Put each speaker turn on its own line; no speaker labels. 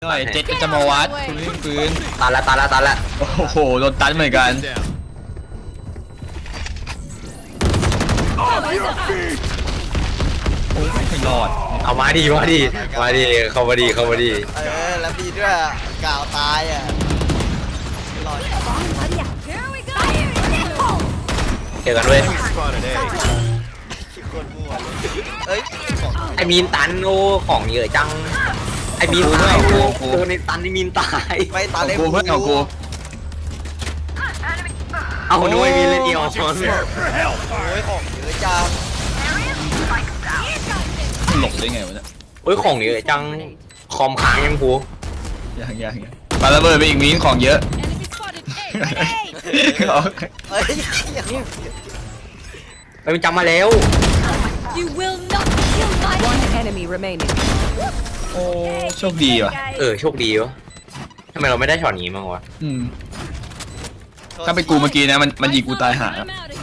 หน่อยเจ็ดจะมาวัดคุณวิ่งปืน
ตันละ
โอ้โหโดนตันเหมือนกันโอ้ยไม่รอด
เอามาดิเข้ามาดี
แล้วดีด้วยกล่าวตายอ่ะรอด
เจอกันด้วย
คนมั่วเอ้ย
ไอ้มีนตันโอ้ของเยอะจังไอ้มีนตายโอ้ตัวในตันนี่มีนตาย
ไม่ตา
ของ
เล็ก
กูเพื่อนของกู
เอาด้วยมีเลยเดียว
โอ้ยของเยอะจัง
หลบได้ไงวะเนี่ย
โอ้ยของเยอะจังคอมค้างยังกู
ยังปาระเบิดไปอีกมีนของเยอะ
เฮ้ย
ไปมันจำมาแล้ว
You will not kill my
One enemy remaining.
โอ้โชคดีว่ะ
โชคดีวะทำไมเราไม่ได้ช็อตนี้มั้งวะ
ถ้าเป็นกูเมื่อกี้นะมันยิงกูตายหา